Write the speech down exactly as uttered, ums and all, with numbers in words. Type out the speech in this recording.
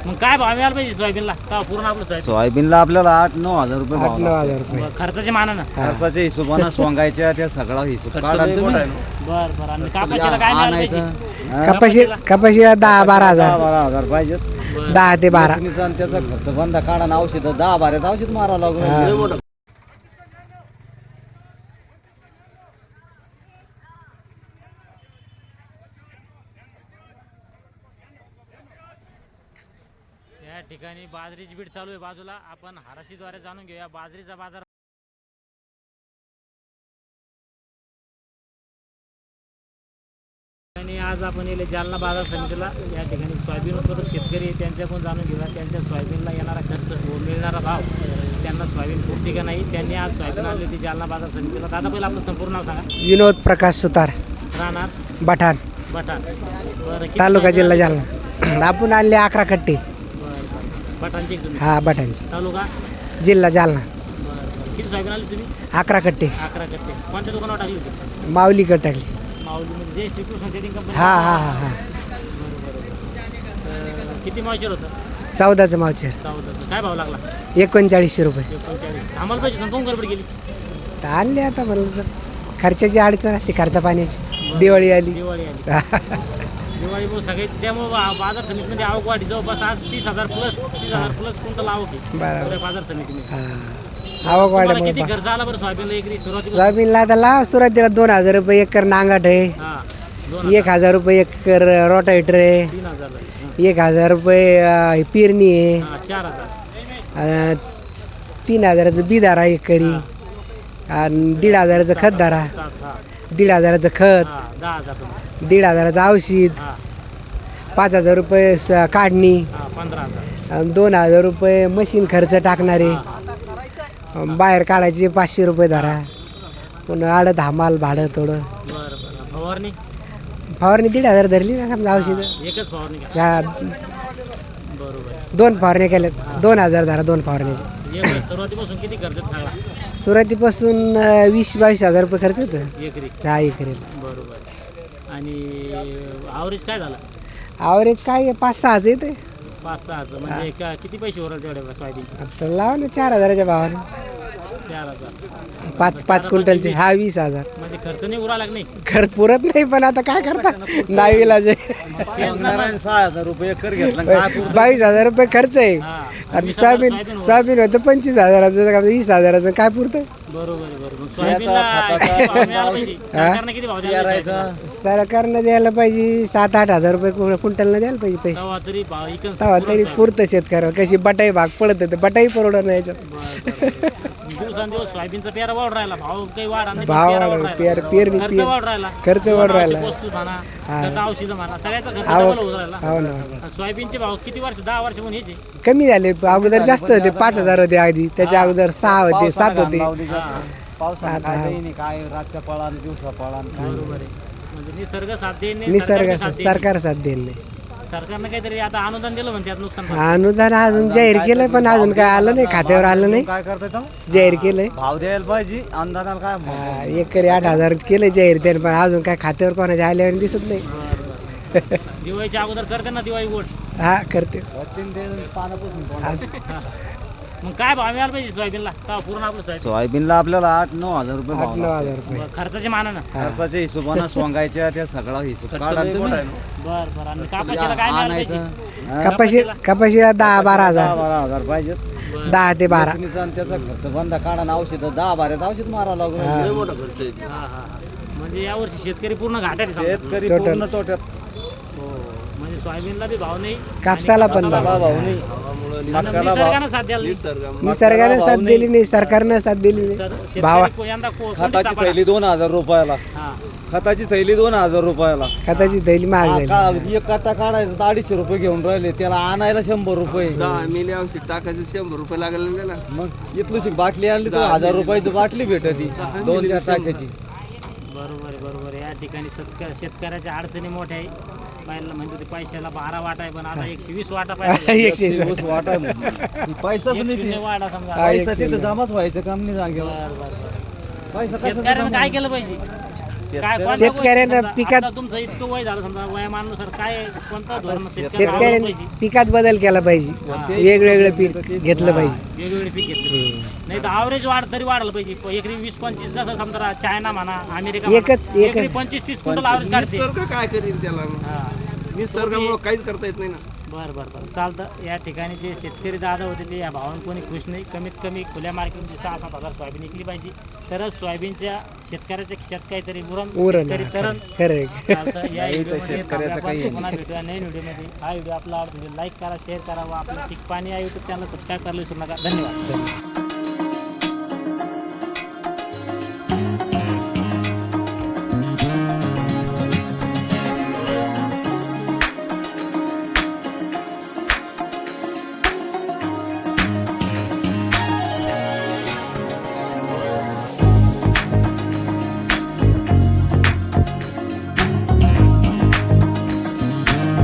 मग काय भाव मिळाला पाहिजे सोयाबीनला का पूर्ण आपलं सोयाबीन सोयाबीनला आपल्याला आठ नऊ हजार रुपये भाव नऊ लागतो. हजार रुपये खर्चाच्या मानानं खर्चाच्या हिशोबानं सोंगायच्या त्या सगळा हिशोब काढा तुम्ही. बर बर आणि कापाशीला काय मिळालं पाहिजे आणायचं हा, कपाशी कपाशीला दहा बारा दहा हजार बारा हजार पाहिजेत. दहा ते बारा वेचणीचा आणि त्याचा खर्च बंद काढा ना औषध दहा बाऱ्यात औषध मारावं लागून. या ठिकाणी बाजरीची बीट चालू आहे बाजूला. आपण हाराशीद्वारे जाणून घेऊया बाजरीचा बाजार. आणि आज आपण येले जालना बाजार समितीला. या ठिकाणी सोयाबीन उत्पादक शेतकरी आहे, त्यांच्याकडून जाणून घेऊया त्यांच्या सोयाबीनला येणारा खर्च व मिळणारा भाव, त्यांना सोयाबीन पुरते का नाही. त्यांनी आज सोयाबीन आणली होती जालना बाजार समितीला. दादा पहिलं आपलं संपूर्ण नाव सांगा. विनोद प्रकाश सुतार राहणार बठाण बटाण. बरं किती तालुका सोयाबीन जिल्हा आणली? जालना. आपण आणले अकरा कट्टे. बरं बरं बटाणची तुम्ही हा बठाणचे तालुका जिल्हा जालना. बरं बरं किती सोयाबीन आली तुम्ही? अकरा कट्टे अकरा कट्टे. कोणत्या दुकानावर टाकली होती? माऊली कट टाकली. माऊलीमध्ये जे श्रीकृष्ण ट्रेडिंग कंपनी. हा हा हा हा किती मावशेर होतं? चौदाचं मावचर चौदाचं. काय भाव लागला? एकोणचाळीसशे रुपये. एकोणचाळीस. आम्हाला पाहिजे कोण गडबड गेली? तर आणले आता म्हणलं तर खर्चाची अडचण असते खर्चा पाण्याची. दिवाळी आली. दिवाळी आली. दिवाळी मग सगळे त्यामुळे बा- बाजार समितीमध्ये आवक वाढली. जवळपास आज तीस हजार प्लस तीस हजार प्लस क्विंटल आवक आहे बरोबर. पुऱ्या बाजार समितीमध्ये. हा आवक तुम्हाला वाढल्यामुळे किती खर्च आला बरं सोयाबीनला एकरी सुरुवातीला? सोयाबीनला आता लाव सुरुवातीला दोन हजार रुपये एकर नांगाट आहे. हा दोन एक हजार रुपये एकर रोटावेटर आहे. तीन हजार एक हजार रुपये अं, ही पेरणी आहे. हा चार हजार. अं, तीन हजाराचं बिदारा एकरी आणि दीड हजाराचं खत दारा. सात. हा दीड हजाराचं खत. हा दहा हजार तुम्ही. दीड हजाराचं औषध. हा पाच हजार रुपये स- काढणी. हा पंधरा हजार. आणि दोन हजार रुपये मशीन खर्च टाकणारे. अं, बाहेर काढायचे पाचशे रुपये धरा. पुन्हा आडत हमाल भाडं थोडं. बरं बरं. फवारणी फवारणी दीड हजार धरली ना समजा औषधं. एकच फवारणी का? हा बरोबर. दोन फवारण्या केल्यात. दोन हजार धरा दोन फवारण्याचे. एक सुरुवातीपासून किती खर्च झाला सुरुवातीपासून अं, वीस बावीस हजार रुपये खर्च होतं एकरी? चहा एकरी. बरोबर. आणि आवरेज काय झालं? ॲव्हरेज काय आहे, पाच सहाच येते. पाच सहाचं म्हणजे का किती पैसे उरल तेवढे सोयाबीनचे? आता लावा ना चार हजाराच्या भावाने. चार हजार. पाच पाच क्विंटलचे हा वीस हजार. म्हणजे खर्च नाही उरा लागत नाही. खर्च पुरत नाही पण आता काय करता नाही इलाज आहे. नारायण सहा हजार रुपये एकर घेतला काय पुरतं? बावीस हजार रुपये खर्च आहे. हा. आणि वीस हजार सोयाबीन सोयाबीन सोयाबीन होतं पंचवीस हजाराचं का वीस हजाराचं काय पुरतं. बरोबर आहे, बरोबर. याचा सोयाबीनला खताचा किती भाव मिळाला पाहिजे? सरकारने किती भाव द्यायला पेरायचा पाहिजे? सरकारनं द्यायला पाहिजे सात आठ हजार रुपये कु- क्विंटलनं द्यायला पाहिजे पैसे. तेव्हा तरी भाव इकडं तेव्हा तरी पुरवठा. पुरतं शेतकऱ्यावर. कशी बटाई भाग पडत होते बटाई परवडत नाही याच्यात. बरं, बरं. दिवसांदिवस सोयाबीनचा पेरा वाढ राहिला. भाव काही वाढ नाही, पण भाव पेरा वाढ- वाढ राहिला. पेर- पेरणी- खर्च पेर- वाढ राहिला. खर्च वाढ राहिला. आवश्यक वस्तू म्हणा, हा. खत औषधं म्हणा, सगळ्याचा खर्च आवक- डबल होत राहिला. हो ना. आणि सोयाबीनचे भाव किती वर्ष दहा वर्ष म्हणून ह्याचे कमी झाले अगोदर जास्त होते पाच हजार होते आधी त्याच्या अगोदर सहा होते सात पावसानं होते. घाण लावली जास्त. पावसानं आता- काय काही नाही, काय रातच्या पळान दिवसा पळान काय बरोबर आहे. म्हणजे निसर्ग साथ देईन नाही, निसर्ग सरकार साथ देईन. सरकार साथ देईल नाही. सरकारनं काहीतरी आता अनुदान दिलं म्हणते नुकसान भरपाई. अनुदान अजून जाहीर केलंय पण अजून काय आलं नाही खात्यावर आलं नाही. काय करताय जाहीर केलंय भाव द्यायला पाहिजे अनुदानाला काय भाव? हा, एकरी आठ हजार केलंय जाहीर त्याने पण अजून काय खात्यावर कोणाच्या आल्यावर दिसत नाही. बरं, बरं. दिवाळीच्या अगोदर करते ना दिवाळी गोड. हा करते तीन ते पानापासून तोंडात. असं. मग काय भाव मिळाला पाहिजे सोयाबीनला का पूर्ण आपलं सोयाबीन सोयाबीनला आपल्याला आठ नऊ हजार रुपये आठ भाव नऊ लागतो. हजार रुपये. बरं, खर्चाच्या मानानं. खर्चाच्या हिशोबानं सोंगायच्या त्या सगळा हिशोब काढा तुम्ही. बरं बरं. आणि कापाशीला काय मिळालं पाहिजे? आणायचं हा, कपाशी कपाशीला दहा बारा दहा हजार बारा हजार पाहिजेत. दहा ते बारा. वेचणीचा आणि त्याचा खर्च बंद काढा ना औषध दहा बाऱ्यात औषध मारावं लागून. हा हा हा. म्हणजे यावर्षी शेतकरी पूर्ण घाटात आहे समजा. शेतकरी टोटल. पूर्ण तोट्यात. हो. म्हणजे सोयाबीनला बी भाव नाही. कापसाला पण कापसाला भाव. भाव नाही. आणि मक्याला भाव निसर्गानं साथ द्यायला नाही. निसर्गाने साथ दिली नाही सरकारनं साथ दिली नाही. शेतकरी भावा को- यंदा को- कोणती खताची सापडा? थैली दोन हजार रुपयाला. हा. खताची थैली दोन हजार रुपयाला. खताची थैली महाग हा, झाली. का- एक कट्टा काढायचा तर अडीचशे रुपये घेऊन राहिले त्याला आणायला शंभर रुपये. दहा मिली औषध टाकायचं शंभर रुपये लागले त्याला. मग इथलूशी बाटली आणली तर हजार रुपयाची बाटली भेटती दोन चार टाक्याची. बरोबर आहे, बरोबर आहे. या ठिकाणी शेतक- शेतकऱ्याच्या अडचणी मोठ्या आहे. पहिला म्हणजे ते पैशाला बारा वाट आहे पण आता एकशे वीस वाटा पाहिजे. एकशे वीस. एकशे वीस वाट आहे म्हणून. पैसाच एक नाही शून्य ते. वाटा समजा. पैसा तिथं जमाच व्हायचं काम नाही जागेवर. बरं, बरं, बरं. पैसा कसा शेतकऱ्यानं जमा काय केलं पाहिजे? काय कोणत्या शेतकऱ्यांना गोष्टी समजा, पिकात- आता तुमचं इतकं वय झालं समजा वयामानानुसार काय कोणतं धोरण शेतकऱ्याला शेतकऱ्यांनी पाहिजे? पिकात बदल केला पाहिजे वेगवेगळं पीक घेतलं पाहिजे वेगवेगळे पीक घेतले नाही तर ॲव्हरेज वाढ तरी वाढलं पाहिजे प- एकरी वीस पंचवीस जसं समजा चायना म्हणा अमेरिका म्हणा, एकच- एकच. एकरी पंचवीस तीस क्विंटल ॲव्हरेज काढते निसर्ग काय करीन त्याला हा. निसर्गामुळे काहीच करता येत नाही ना. बरं बरं बरं चालतं. या ठिकाणी जे शेतकरी दादा होते ते या भावानं कोणी खुश नाही. कमीत कमी खुल्या मार्केटमध्ये सहा सात हजार सोयाबीन विकली पाहिजे तरच सोयाबीनच्या शेतकऱ्याच्या खिशात काहीतरी उरण उरण शेतकरी तरण खरं चालतं. या व्हिडिओमध्ये थांबूया आपण. पुन्हा भेटूया नवीन व्हिडिओमध्ये. हा व्हिडिओ आपला व्हिडिओ लाईक करा शेअर करा व आपलं पीक पाणी या यूट्यूब चॅनल सबस्क्राईब करायला विसरू नका. धन्यवाद.